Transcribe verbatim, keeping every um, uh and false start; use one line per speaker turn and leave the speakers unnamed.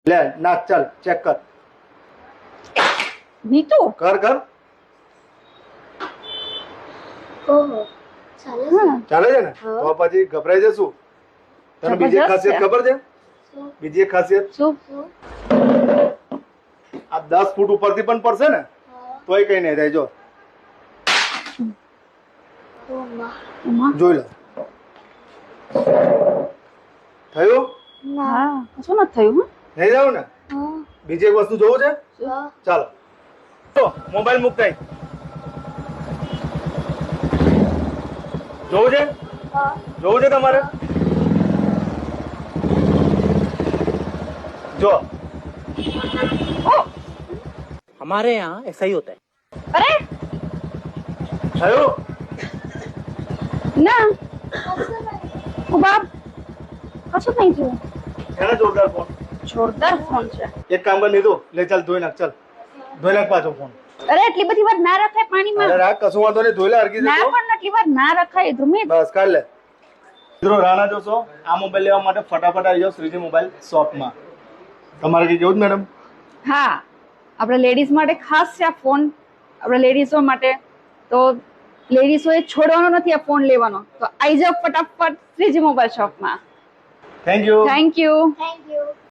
ले नाख चल चेक कर
નીતુ
कर कर
ઓહો ચાલે છે
હા
ચાલે છે ને
હા.
તો પછી ગભરાઈ જશું તને બીજી એક
જબરજસ્ત
ખાસિયત
છે.
ખબર છે
શું
બીજી એક ખાસિયત
શું
શું
આ દસ ફૂટ ઉપરથી પણ પડશે ને
હા
તોય કઈ નહીં થાય જો
ઓ માં
ઉમા
જોઈ લો થયું
ના
હા શું નથી થયું હં?
નહીં જાવ ને
હા
બીજી એક વસ્તુ જોવું છે
હા
ચાલો તો મોબાઈલ મુકતાઈ જોવું છે
હા
જોવું છે તમારે જો
हमारे यहाँ ऐसा ही होता है।
અરે
થયું
ના ઓ બાપ કશું નહીં થયું
એને જોરદાર ફોન
જોરદાર ફોન છે
એક કામ કરી લીધું લે ચાલ ધોઈ નાખ ચાલ ધોઈ નાખ પાછો ફોન
અરે એટલી બધી વાર ના રખાય
અરે
પાણીમાં
રાખ કશું વાંધો નહીં ધોઈ લે હરકી
ના
જતો
પણ એટલી વાર ના રખાય ધ્રુમિત
બસ કાઢ લે મિત્રો રાણા જોશો આ મોબાઈલ લેવા માટે ફટાફટ આવી જાઓ શ્રીજી મોબાઈલ શોપમાં તમારે કઈ કેવું જ મેડમ
હા આપણે લેડીઝ માટે ખાસ છે આ ફોન આપણે લેડીઝો માટે તો લેડીઝોએ છોડવાનો નથી આ ફોન લેવાનો તો આવી જાઓ ફટાફટ શ્રીજી મોબાઈલ શોપમાં
thank you
thank you
thank you